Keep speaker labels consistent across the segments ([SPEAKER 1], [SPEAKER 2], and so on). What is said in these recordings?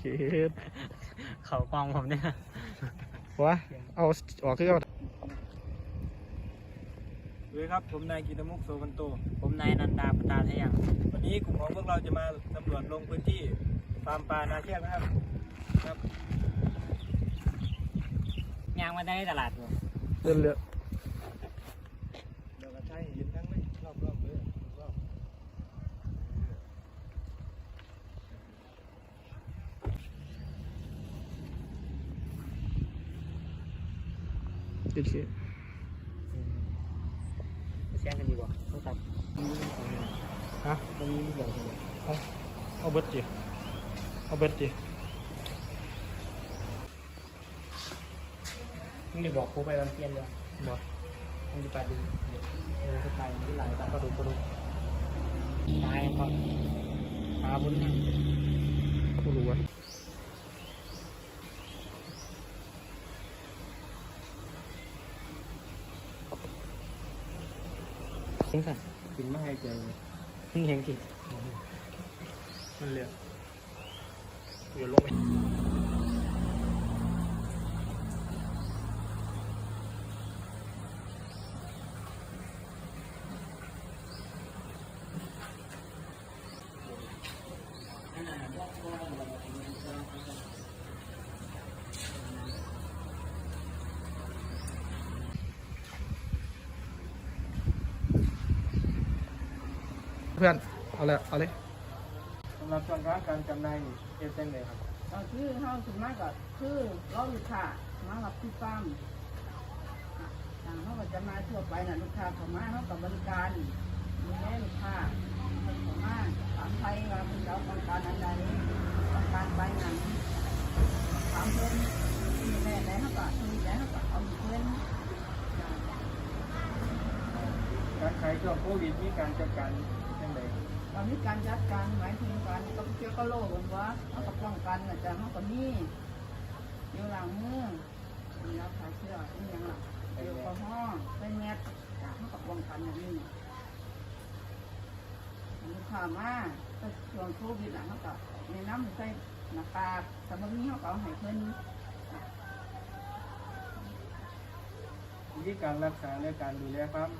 [SPEAKER 1] เขากองผมเนี่ยว
[SPEAKER 2] ะเอาออกคือเอา
[SPEAKER 3] สวัสดีครับผมนายกิตมุกโสกันโต
[SPEAKER 1] ผมนายนันดาปตาทะยัง
[SPEAKER 3] วันนี้กลุ่มของพวกเราจะมาสำรวจลงพื้นที่ฟาร์มปลานาเทียงนะครับครับ
[SPEAKER 1] ยางมาได้ตลาดบ่
[SPEAKER 2] เรือ
[SPEAKER 3] เดี๋ยวกระชายเห็นทั้งเลยรอบๆเลยรอบ
[SPEAKER 2] โอเค
[SPEAKER 1] แช่งกันดีกว่าต้องตัด
[SPEAKER 2] ฮะ
[SPEAKER 1] ตรงนี้เดี๋ยว
[SPEAKER 2] เอาเบิดจีเอาเบิดจี
[SPEAKER 1] มึงจะบอกกูไปวันเปลี่ยนเลย
[SPEAKER 2] บ่
[SPEAKER 1] มึงจะไปดูจะไปที่ไหนตามก็ดูตายเพราะปลาบุญเนี่ย
[SPEAKER 2] กูรู้ว่า
[SPEAKER 1] ทิ้งสัน
[SPEAKER 3] กินไม่ให้ใจ
[SPEAKER 1] ทิ้งเฮงที
[SPEAKER 2] มันเรือเรือลงไปเพื่อนเอาเลย
[SPEAKER 3] สำหรับช่วงการจำหน่ายนี่เอฟเซนเลยครับ
[SPEAKER 4] ก็คือเขาส่วนมากก็คือเราลูกค้ามารับที่ฟาร์มทางเขาก็จะมาทั่วไปนะลูกค้าเขามาเขากับบริการดูแลลูกค้าเขามาถามไทยว่าคุณเราต้องการอันใดต้องการใบหนังถามเพื่อนมีแม่ไหนเขาก็มีใจเขาก็เอาเพื่อน
[SPEAKER 3] การขายช่วงโควิดมีการจัดการยังไง
[SPEAKER 4] ตอนนี้การจัดการหมายถึงการต้องเกี่ยวกับโรคกันว่าเขาก็ป้องกันอาจารย์เขาก็มีเดี๋ยวล้างมือมีรับขายเชื้อเป็นอย่างไรแอลกอฮอล์ใส่แมสเขาก็ป้องกันอย่างนี้ลูกค้ามาก็ช่วงโควิดหลังเขาก็ในน้ำใส่หน้ากากแต่บางทีเขาก็เอาให้เพิ่น
[SPEAKER 3] วิธีการรักษาและการดูแลฟาร์ม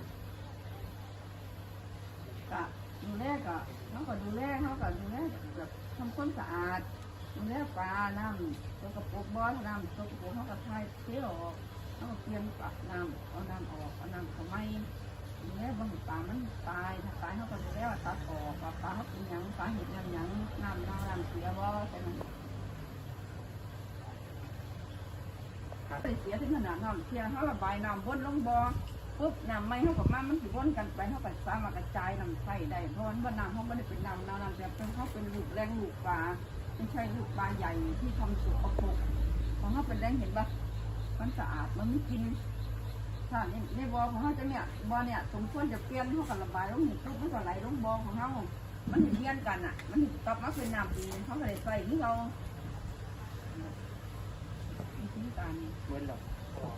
[SPEAKER 4] ก็ดูแลก็เขาก็ดูแลแบบทำความสะอาดดูแลปลาน้ำตัวกระปุกบอสน้ำตัวกระปุกเขาก็ทายเที่ยวออกเขาก็เปลี่ยนปลาน้ำเอาน้ำออกเอาน้ำเขาไม่ดูแลบางปลามันตายถ้าตายเขาก็ดูแลว่าตัดออกปลาเขาเป็นหยังปลาเห็ดหยังน้ำเสียบ่ใช่ไหมเสียถึงขนาดน้ำเสียเขาระบายน้ำวนลงบ่อปุ๊บน้ำไม่เขากับมันสิวนกันไปเขาก็สามารถกระจายน้ำใส่ได้เพราะว่าน้ำเขาไม่ได้เป็นน้ำแบบเป็นเขาเป็นลูกแรงลูกปลาไม่ใช่ลูกปลาใหญ่ที่ทำสุกปรกของเขาเป็นแรงเห็นปะมันสะอาดมันไม่กินถ้าในบ่อของเขาจะเนี่ยบ่อเนี่ยสมควรจะเปลี่ยนเขากับระบายลงหินปุ๊บมันก็ไหลลงบ่อของเขามันเพี้ยนกันอ่ะมันกลับมาเป็นน้ำดีเขาก็เลยใส่ที่เราวิธีการ
[SPEAKER 1] เว้นหรอก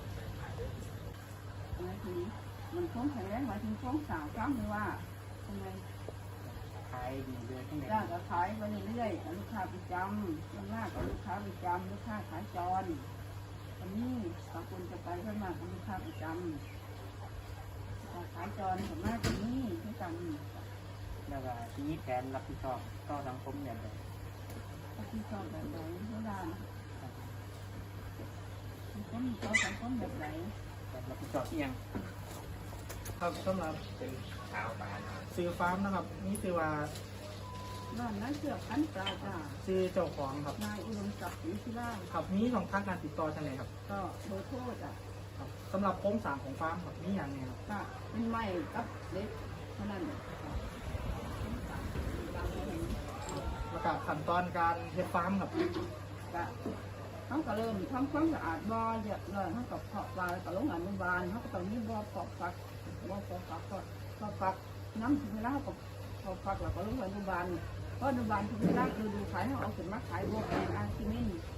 [SPEAKER 4] หมายถึงมันคงแข็งแรงหมายถึงคงสาวกล้ามหรือว่าทำไม
[SPEAKER 1] ขายดีเลยทั้งไหน
[SPEAKER 4] ย่างก็ขายไปเรื่อยๆลูกค้าประจำส่วนมากก็ลูกค้าประจำลูกค้าขายจรตอนนี้บางคนจะไปเพื่อมากกับลูกค้าประจำขายจรส่วนมากตรงนี้ที่กัน
[SPEAKER 1] แล้วก็ทีนี้แผนรับผิดชอบต่อสังคมเนี่ยแบบ
[SPEAKER 4] ก็ที่ชอบแบบไหนเท่านั้นสังคมเขาสังคมแบบไหน
[SPEAKER 1] รับผิดชอบเอียง
[SPEAKER 2] ครับสำหรับ
[SPEAKER 1] เป็นชาวบ้าน
[SPEAKER 2] ซื้อฟาร์มนะครับนี่คือว่า
[SPEAKER 4] บ้านนั้นเสือขันปลาจ้า
[SPEAKER 2] ซื้อเจ้าของครับ
[SPEAKER 4] นายอุดมศักดิ์ศรีศิลา
[SPEAKER 2] ครับมีช่องทางการติดต่อจังไงครับ
[SPEAKER 4] ก็โดยโทษอ่ะ
[SPEAKER 2] ครับสำหรับโครงสร้างของฟาร์มครับมีอย่างไงครับ
[SPEAKER 4] ก็เป็นไม้กับเล็กเท่านั้น
[SPEAKER 2] แล้วก็ขั้นตอนการเฮ็ดฟาร์มครับ
[SPEAKER 4] ก็เขาก็เริ่มทำความสะอาดบ่อเยอะเลยเขาก็เพาะปลาแล้วก็ลงอนุบาลเขาก็ต้องมีบ่อเพาะฟักน้ำถึงเวลาเขาก็เพาะฟักแล้วก็ลงอนุบาลเพราะอนุบาลถึงเวลาคือดูขายเขาเอาขึ้นมาขายบ่อแอนอาร์ซิมิน